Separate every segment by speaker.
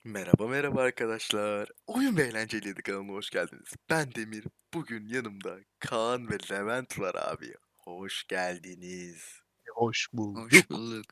Speaker 1: Merhaba merhaba arkadaşlar. Oyun ve Eğlenceliydi kanalıma hoş geldiniz. Ben Demir. Bugün yanımda Kaan ve Levent var abi. Hoş geldiniz.
Speaker 2: Hoş
Speaker 3: Hoş
Speaker 2: bulduk.
Speaker 3: bulduk.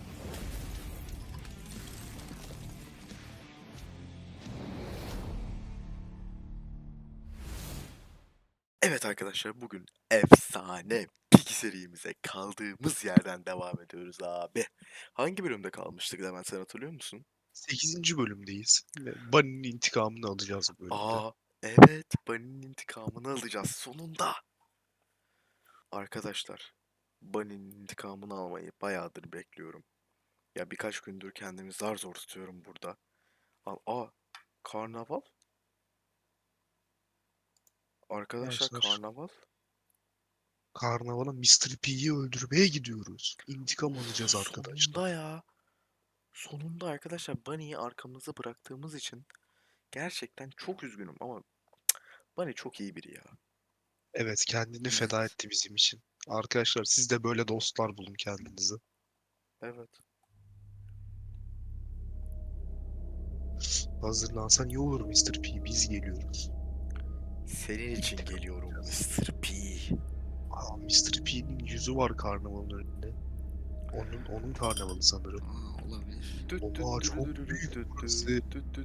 Speaker 1: Evet arkadaşlar bugün efsane Piki serimize kaldığımız yerden devam ediyoruz abi. Hangi bölümde kalmıştık Levent sen hatırlıyor musun?
Speaker 2: 8. bölümdeyiz. Ve Bunny'nin intikamını alacağız bu bölümde.
Speaker 1: Aa evet Bunny'nin intikamını alacağız sonunda. Arkadaşlar Bunny'nin intikamını almayı bayağıdır bekliyorum. Ya birkaç gündür kendimi zar zor tutuyorum burada. Karnaval? Arkadaşlar
Speaker 2: Arkadaşlar
Speaker 1: karnaval?
Speaker 2: karnavala Mr. P'yi öldürmeye gidiyoruz. İntikam alacağız arkadaşlar.
Speaker 1: Sonunda ya. Sonunda arkadaşlar Bunny'yi arkamızda bıraktığımız için gerçekten çok üzgünüm ama Bunny çok iyi biri ya.
Speaker 2: Evet, kendini feda
Speaker 3: Evet.
Speaker 2: etti bizim için. Arkadaşlar siz de böyle dostlar bulun kendinize.
Speaker 1: Evet.
Speaker 2: Hazırlansan iyi olur Mr. P. Biz geliyoruz.
Speaker 1: Senin için
Speaker 2: İntikam
Speaker 1: geliyorum
Speaker 2: alacağız.
Speaker 1: Mr. P.
Speaker 2: Mr. P'nin yüzü var karnavalın önünde. Onun karnavalı sanırım.
Speaker 3: Olabilir.
Speaker 2: Oha, çok büyük burası.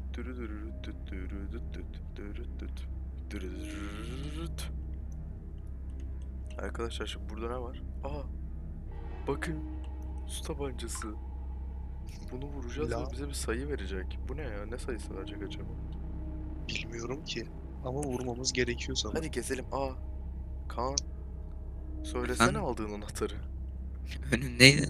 Speaker 1: Arkadaşlar şimdi burada ne var? Bakın su tabancası. Bunu vuracağız
Speaker 2: La
Speaker 1: ve bize bir sayı verecek. Bu ne ya? Ne sayısı verecek acaba?
Speaker 2: bilmiyorum ki. Ama vurmamız gerekiyor sanırım.
Speaker 1: Hadi gezelim. Kaan. Söylesene
Speaker 3: Efendim
Speaker 1: aldığın anahtarı.
Speaker 3: önündeydi.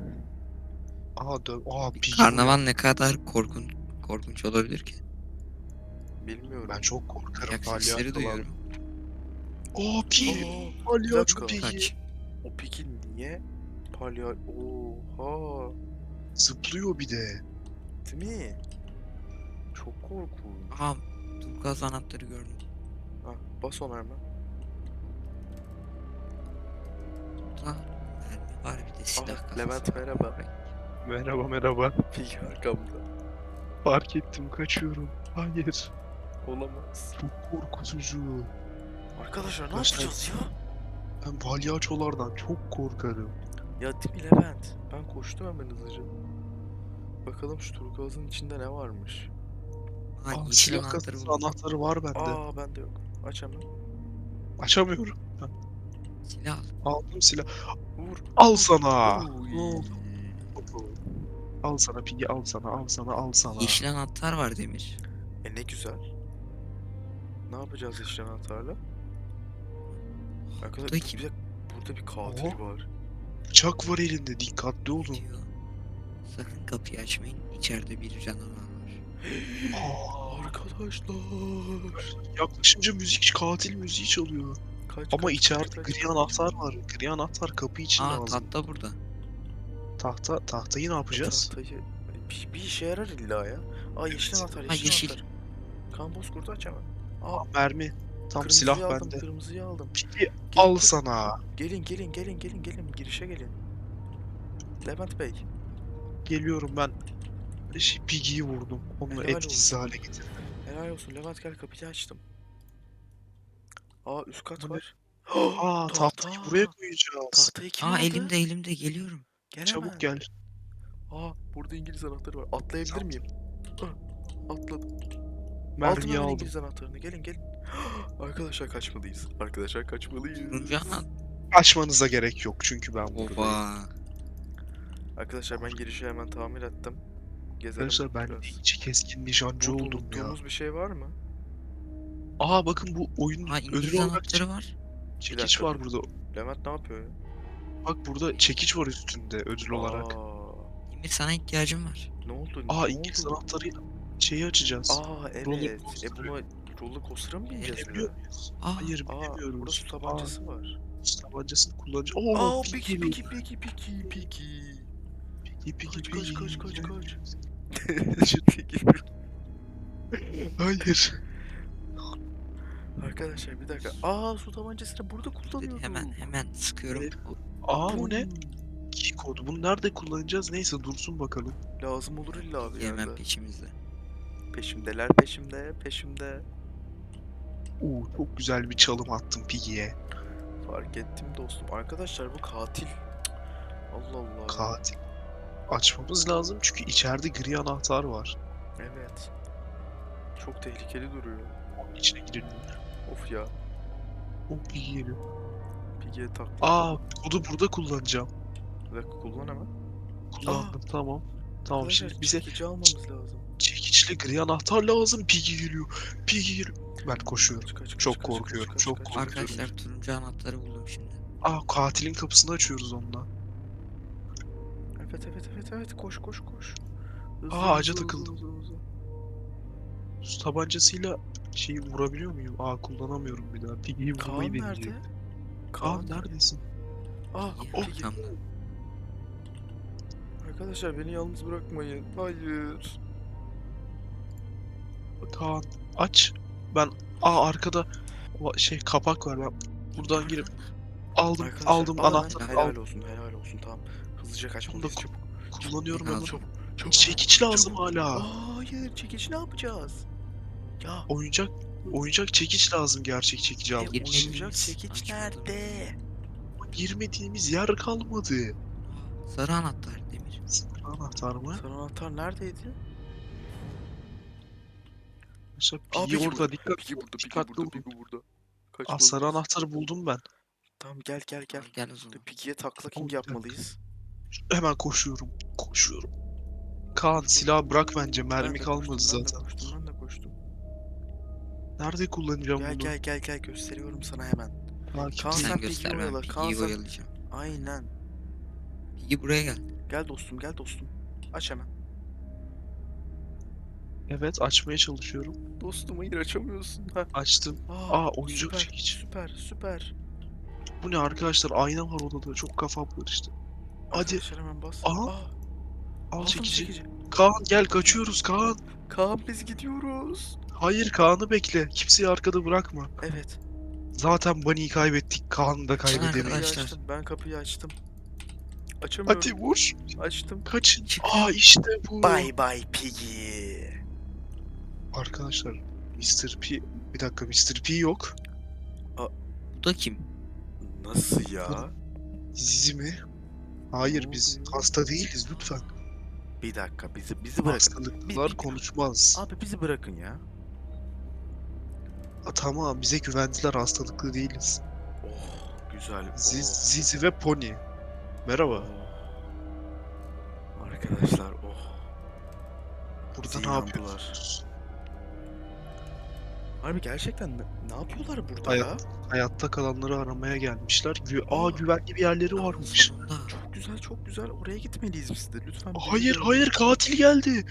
Speaker 2: Piggy
Speaker 3: Karnaval
Speaker 2: buraya.
Speaker 3: ne kadar korkunç olabilir ki?
Speaker 1: Bilmiyorum.
Speaker 2: Ben çok korkarım
Speaker 3: Ayak sesleri
Speaker 2: palyaçolardan.
Speaker 3: duyuyorum.
Speaker 2: Piggy.
Speaker 1: Bir
Speaker 2: Palyaço
Speaker 1: dakika.
Speaker 2: Piggy.
Speaker 3: Kaç.
Speaker 1: O peki niye Oha.
Speaker 2: Zıplıyor bir de.
Speaker 1: Değil mi? Çok korkunç.
Speaker 3: Aha, turkuaz anahtarı gördüm.
Speaker 1: Bas ona hemen.
Speaker 3: Burada mermi var, bir de silah kafası
Speaker 1: Levent
Speaker 3: var.
Speaker 1: merhaba.
Speaker 2: Merhaba merhaba.
Speaker 1: Peki arkamda.
Speaker 2: Fark ettim, kaçıyorum. Hayır.
Speaker 1: Olamaz.
Speaker 2: Çok korkutucu.
Speaker 1: Arkadaşlar ne
Speaker 2: Arkadaşlar
Speaker 1: yapacağız ya?
Speaker 2: ben palyaçolardan çok korkarım.
Speaker 1: Ya değil mi Levent? Ben koştum hemen hızlıca. Bakalım şu turkuazın içinde ne varmış.
Speaker 3: Yeşil
Speaker 2: Silah
Speaker 3: anahtarı
Speaker 2: kasası
Speaker 3: buldum.
Speaker 2: anahtarı var bende.
Speaker 1: Bende yok. Aç hemen.
Speaker 2: Açamıyorum.
Speaker 3: Silah al.
Speaker 2: Aldım silah.
Speaker 1: Vur.
Speaker 2: Al sana.
Speaker 1: Uy.
Speaker 2: Ne oldu? Al sana Piggy, al sana, al sana, al sana.
Speaker 3: Yeşil anahtar var Demir.
Speaker 1: Ne güzel. Ne yapacağız yeşil anahtarla?
Speaker 3: Bu da
Speaker 1: Arkadaşlar
Speaker 3: kim?
Speaker 1: burada bir katil var.
Speaker 2: Bıçak var elinde, dikkatli olun.
Speaker 3: Diyor. Sakın kapıyı açmayın. İçeride bir canavar var.
Speaker 1: Arkadaşlar.
Speaker 2: Yaklaşınca katil müziği çalıyor.
Speaker 1: Kaç
Speaker 2: Ama
Speaker 1: kaç kaç
Speaker 2: içeride
Speaker 1: kaç
Speaker 2: gri
Speaker 1: kaç.
Speaker 2: anahtar var. Gri anahtar kapı için lazım.
Speaker 3: Tahta burada.
Speaker 2: Tahtayı ne yapacağız?
Speaker 1: Tahtayı bir işe yarar illa ya. Yeşil
Speaker 2: Evet.
Speaker 1: anahtar,
Speaker 3: Ha,
Speaker 1: yeşil
Speaker 3: yeşil.
Speaker 1: anahtar. Kan bozkurtu aç hemen. Aa
Speaker 2: Mermi. Tam silah
Speaker 1: kırmızıyı aldım,
Speaker 2: bende.
Speaker 1: kırmızıyı aldım.
Speaker 2: Peki
Speaker 1: Gelin,
Speaker 2: al
Speaker 1: gelin.
Speaker 2: sana.
Speaker 1: Gelin. Girişe gelin. Levent Bey.
Speaker 2: Geliyorum ben. Piggy'yi vurdum. Onu
Speaker 1: Helal
Speaker 2: etkisiz
Speaker 1: olsun.
Speaker 2: hale getirdim.
Speaker 1: Helal olsun. Levent gel kapıyı açtım. Üst kat
Speaker 2: Bu ne?
Speaker 1: var. Tahta.
Speaker 2: Tahtayı buraya koyacağız.
Speaker 1: Tahtayı kim aldı?
Speaker 3: Elimde geliyorum.
Speaker 1: Gel
Speaker 2: Çabuk
Speaker 1: hemen.
Speaker 2: gel.
Speaker 1: Burada İngiliz anahtarı var. Atlayabilir
Speaker 2: Tamam.
Speaker 1: miyim? Atladım. Aldım
Speaker 2: Mermiyi
Speaker 1: hemen
Speaker 2: aldım.
Speaker 1: İngiliz anahtarını. Gelin. Arkadaşlar kaçmalıyız.
Speaker 3: Turuncu anahtar.
Speaker 2: Açmanıza gerek yok çünkü ben buradayım.
Speaker 3: Oba.
Speaker 1: Arkadaşlar ben girişi hemen tamir ettim. Gezelim
Speaker 2: Arkadaşlar ben
Speaker 1: biraz.
Speaker 2: iyice keskin nişancı
Speaker 1: Burada
Speaker 2: oldum ya.
Speaker 1: unuttuğumuz bir şey var mı?
Speaker 2: Bakın bu oyunun ödül
Speaker 3: İngiliz
Speaker 2: olarak
Speaker 3: anahtarı var.
Speaker 2: çekiç
Speaker 1: dakika,
Speaker 2: var
Speaker 1: dur.
Speaker 2: burada.
Speaker 1: Levent ne yapıyor ya?
Speaker 2: Bak burada çekiç var üstünde ödül olarak.
Speaker 3: Demir, sana ihtiyacım var.
Speaker 1: Ne oldu?
Speaker 2: İngiliz anahtarıyla şeyi açacağız. Roller
Speaker 1: Evet.
Speaker 2: coaster'ı.
Speaker 1: Buna roller coaster'a mı bineceğiz bir
Speaker 2: Binebiliyor
Speaker 1: de?
Speaker 2: muyuz?
Speaker 3: Aa,
Speaker 2: Hayır
Speaker 1: Burada
Speaker 2: binemiyoruz.
Speaker 1: su tabancası var.
Speaker 2: Su tabancasını kullanacağız.
Speaker 1: Piki.
Speaker 2: Piggy.
Speaker 1: Kaç.
Speaker 2: Kaçın.
Speaker 1: Piki.
Speaker 2: Hayır.
Speaker 1: Arkadaşlar bir dakika. Su tabancasını burada kullanıyorduk.
Speaker 3: hemen sıkıyorum.
Speaker 2: Evet.
Speaker 3: Hop,
Speaker 2: Bu ne? Key kodu. Bunu nerede kullanacağız? Neyse dursun bakalım.
Speaker 1: Lazım olur illa bir
Speaker 3: hemen
Speaker 1: yerde.
Speaker 3: peşimizde.
Speaker 1: Peşimdeler, peşimde, peşimde.
Speaker 2: Çok güzel bir çalım attım Piggy'ye.
Speaker 1: Fark ettim dostum. Arkadaşlar bu katil. Cık, Allah Allah.
Speaker 2: Katil. Açmamız lazım çünkü içeride gri anahtar var.
Speaker 1: Evet. Çok tehlikeli duruyor.
Speaker 2: Onun içine girelim.
Speaker 1: Of ya.
Speaker 2: Piggy geliyor.
Speaker 1: Piggy'ye takla.
Speaker 2: Kodu burada kullanacağım.
Speaker 1: Bir dakika kullan hemen.
Speaker 2: Kullandım, tamam. Tamam,
Speaker 1: Arkadaşlar
Speaker 2: şimdi bize
Speaker 1: çekici almamız lazım.
Speaker 2: çekiçli gri anahtar lazım. Piggy geliyor. Piggy geliyor. Ben koşuyorum. Çok korkuyorum, çok korkuyorum.
Speaker 3: Arkadaşlar turuncu anahtarı buldum şimdi.
Speaker 2: Katilin kapısını açıyoruz onunla.
Speaker 1: Evet evet evet evet koş koş koş. Hızlı,
Speaker 2: Ağaca
Speaker 1: hızlı,
Speaker 2: takıldım.
Speaker 1: hızlı, hızlı.
Speaker 2: Su tabancasıyla şeyi vurabiliyor muyum? kullanamıyorum bir daha. Piggy'yi vurmayı
Speaker 1: Kaan nerede?
Speaker 2: deneyeceğim.
Speaker 1: Kaan
Speaker 2: Neredesin?
Speaker 3: İyi,
Speaker 1: Piggy.
Speaker 3: arkamda.
Speaker 1: Arkadaşlar beni yalnız bırakmayın. Hayır.
Speaker 2: Kaan aç. Ben arkada kapak var. Ben buradan girip aldım
Speaker 1: Arkadaşlar
Speaker 2: aldım
Speaker 1: alın.
Speaker 2: anahtarı
Speaker 1: Helal
Speaker 2: aldım.
Speaker 1: olsun helal olsun tamam. Hızlıca
Speaker 2: Bunu da
Speaker 1: kaçmalıyız çabuk.
Speaker 2: kullanıyorum
Speaker 3: Çabuk,
Speaker 2: hemen.
Speaker 3: çabuk.
Speaker 1: Çabuk.
Speaker 2: Çekiç lazım
Speaker 1: Çabuk.
Speaker 2: hala.
Speaker 1: Hayır çekiç ne yapacağız? Ya.
Speaker 2: Oyuncak çekiç lazım, gerçek çekici almak için.
Speaker 3: girmeliyiz.
Speaker 1: Oyuncak çekiç
Speaker 3: Açmadım.
Speaker 1: nerede?
Speaker 2: Girmediğimiz yer kalmadı.
Speaker 3: Sarı anahtar Demir.
Speaker 2: Sarı anahtar mı?
Speaker 1: Sarı anahtar neredeydi?
Speaker 2: Mesela
Speaker 1: Aa
Speaker 2: Piggy
Speaker 1: Piggy
Speaker 2: orada,
Speaker 1: burada.
Speaker 2: dikkat.
Speaker 1: Piggy burada. Piggy
Speaker 2: Dikkatli
Speaker 1: burada.
Speaker 2: olun.
Speaker 1: Piggy burada.
Speaker 2: Sarı
Speaker 1: Kaçmalıyız.
Speaker 2: anahtarı buldum ben.
Speaker 1: Tamam gel gel gel.
Speaker 3: Gel o zaman.
Speaker 1: Piggy'ye takla
Speaker 2: Tamam,
Speaker 1: king
Speaker 2: bir dakika.
Speaker 1: yapmalıyız.
Speaker 2: Hemen koşuyorum. Kaan,
Speaker 1: Koş,
Speaker 2: silah bırak bence.
Speaker 1: Ben
Speaker 2: Mermi
Speaker 1: de
Speaker 2: kalmadı
Speaker 1: koştum, ben de
Speaker 2: zaten.
Speaker 1: koştum, ben de koştum.
Speaker 2: Nerede kullanacağım
Speaker 1: Gel
Speaker 2: bunu?
Speaker 1: gel gel gel gösteriyorum sana hemen. Kaan
Speaker 2: Takip
Speaker 3: Sen
Speaker 1: sen
Speaker 2: edin.
Speaker 3: göster,
Speaker 1: Piggy'yi
Speaker 3: ben
Speaker 1: oyala. Kaan
Speaker 3: Piggy'yi
Speaker 1: sen...
Speaker 3: oyalayacağım.
Speaker 1: Aynen.
Speaker 3: Piggy buraya gel.
Speaker 1: Gel dostum gel dostum. Aç hemen.
Speaker 2: Evet, açmaya çalışıyorum.
Speaker 1: Dostum hayır açamıyorsun. Ha.
Speaker 2: Açtım. Oyuncak
Speaker 1: Süper
Speaker 2: çekiç.
Speaker 1: süper süper.
Speaker 2: Bu ne arkadaşlar? Ayna var odada. Çok kafam karıştı. Hadi.
Speaker 1: Arkadaşlar hemen bas.
Speaker 2: Aha,
Speaker 1: Aa,
Speaker 2: al
Speaker 1: aldım
Speaker 2: çekici. Kaan gel, kaçıyoruz Kaan.
Speaker 1: Kaan biz gidiyoruz.
Speaker 2: Hayır, Kaan'ı bekle. Kimseyi arkada bırakma.
Speaker 1: Evet.
Speaker 2: Zaten Bunny'yi kaybettik. Kaan'ı da
Speaker 3: Açın
Speaker 1: Ben
Speaker 2: kaybedemeyiz.
Speaker 1: kapıyı
Speaker 3: arkadaşlar.
Speaker 1: açtım. Ben kapıyı açtım.
Speaker 2: Hadi
Speaker 1: Açamıyorum.
Speaker 2: vur.
Speaker 1: Açtım.
Speaker 2: Kaçın.
Speaker 3: Çık.
Speaker 2: İşte bu.
Speaker 1: Bye bye Piggy.
Speaker 2: Arkadaşlar, Mr. P... Bir dakika, Mr. P yok.
Speaker 3: Bu da kim?
Speaker 1: Nasıl ya?
Speaker 2: Zizi mi? Hayır,
Speaker 1: Ne
Speaker 2: biz
Speaker 1: oluyor?
Speaker 2: hasta değiliz lütfen.
Speaker 1: Bir dakika bizi bırakın.
Speaker 2: Hastalıklılar konuşmaz.
Speaker 1: Abi bizi bırakın ya.
Speaker 2: Tamam, bize güvendiler, hastalıklı değiliz.
Speaker 1: Oh güzel.
Speaker 2: Zizi ve Pony. Merhaba.
Speaker 1: Arkadaşlar oh.
Speaker 2: Burada
Speaker 1: Bizi
Speaker 2: ne
Speaker 1: inandılar.
Speaker 2: yapıyorsunuz?
Speaker 1: Harbi gerçekten ne yapıyorlar burada
Speaker 2: Hayat-
Speaker 1: ya?
Speaker 2: Hayatta kalanları aramaya gelmişler.
Speaker 1: Aa.
Speaker 2: güvenli bir yerleri
Speaker 3: Aa,
Speaker 2: varmış.
Speaker 3: sonunda.
Speaker 1: Çok güzel çok güzel. Oraya gitmeliyiz biz de. Lütfen bizi
Speaker 2: Hayır,
Speaker 1: görün.
Speaker 2: hayır, katil geldi.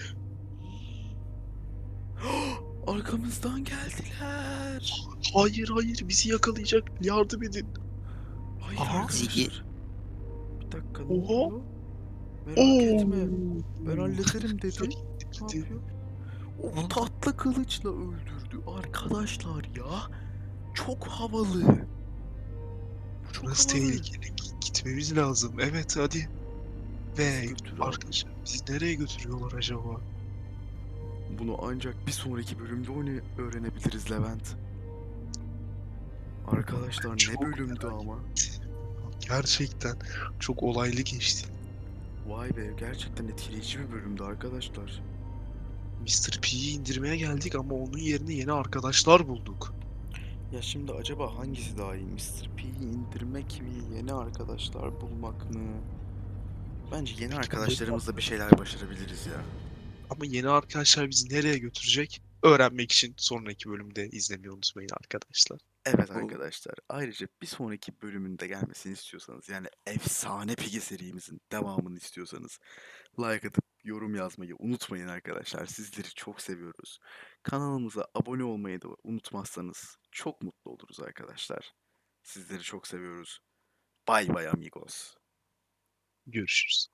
Speaker 1: Arkamızdan geldiler.
Speaker 2: Hayır, hayır, bizi yakalayacak. Yardım edin.
Speaker 1: Hayır
Speaker 2: Aha.
Speaker 1: arkadaşlar.
Speaker 3: Zigi.
Speaker 1: Bir dakika ne
Speaker 2: Oha.
Speaker 1: oluyor? Merak etme. Ben hallederim dedi. Ne
Speaker 2: Gitti.
Speaker 1: yapıyor? O
Speaker 3: Oldu.
Speaker 1: tatlı kılıçla öldürdü arkadaşlar ya. Çok havalı. Bu çok
Speaker 2: Burası
Speaker 1: havalı.
Speaker 2: tehlikeli. Gitmemiz lazım. Evet, hadi. Ve
Speaker 1: Götür abi.
Speaker 2: arkadaşlar, bizi nereye götürüyorlar acaba?
Speaker 1: Bunu ancak bir sonraki bölümde öğrenebiliriz Levent. Arkadaşlar ne
Speaker 2: Çok
Speaker 1: bölümdü ama.
Speaker 2: Gerçekten çok olaylı geçti.
Speaker 1: Vay be gerçekten etkileyici bir bölümdü arkadaşlar.
Speaker 2: Mr. P'yi indirmeye geldik ama onun yerine yeni arkadaşlar bulduk.
Speaker 1: Ya şimdi acaba hangisi daha iyi? Mr. P'yi indirmek mi? Yeni arkadaşlar bulmak mı? Bence yeni arkadaşlarımızla bir şeyler başarabiliriz ya.
Speaker 2: Ama yeni arkadaşlar bizi nereye götürecek? Öğrenmek için sonraki bölümde izlemeyi unutmayın arkadaşlar.
Speaker 1: Evet
Speaker 3: Bu-
Speaker 1: arkadaşlar. Ayrıca bir sonraki bölümünde gelmesini istiyorsanız yani efsane Piggy serimizin devamını istiyorsanız like atıp yorum yazmayı unutmayın arkadaşlar. Sizleri çok seviyoruz. Kanalımıza abone olmayı da unutmazsanız çok mutlu oluruz arkadaşlar. Sizleri çok seviyoruz. Bay bay amigos.
Speaker 2: Görüşürüz.